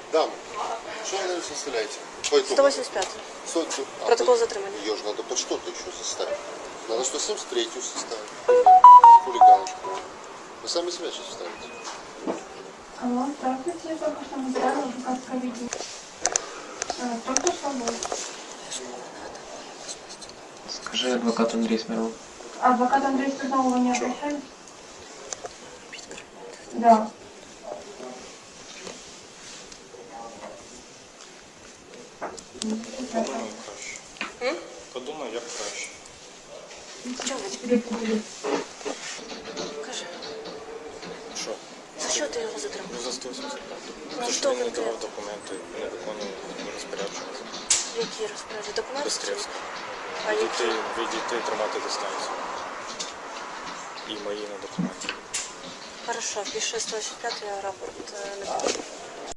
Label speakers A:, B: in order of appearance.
A: Дам, что вы, наверное, составляете? По итогу.
B: 185. Протокол затримания.
A: Ее же надо под что-то еще составить. Надо 173-ю составить. Хулиганочку. Вы сами себя сейчас ставите.
C: Алло, здравствуйте, только что мы сделали адвокатское видео. Только что был.
D: Скажи, адвокат Андрей Смирнов.
C: Адвокат Андрей Смирнов, вы не обращались? Да.
E: Подумай краще. Подумай, як краще.
B: Чого ви тебе? Кажи,
E: Що?
B: за що ти його затримав?
E: Ну, за 185.
B: Ну,
E: Це
B: що
E: що він не
B: конкретно?
E: давав документи, не виконував розпорядження.
B: Які розправи? Документи?
E: Бестрівська.
B: А які?
E: Відійти, тримати дистанцію. І мої на документи.
B: Хорошо, пиши 185, я рапорт напишу.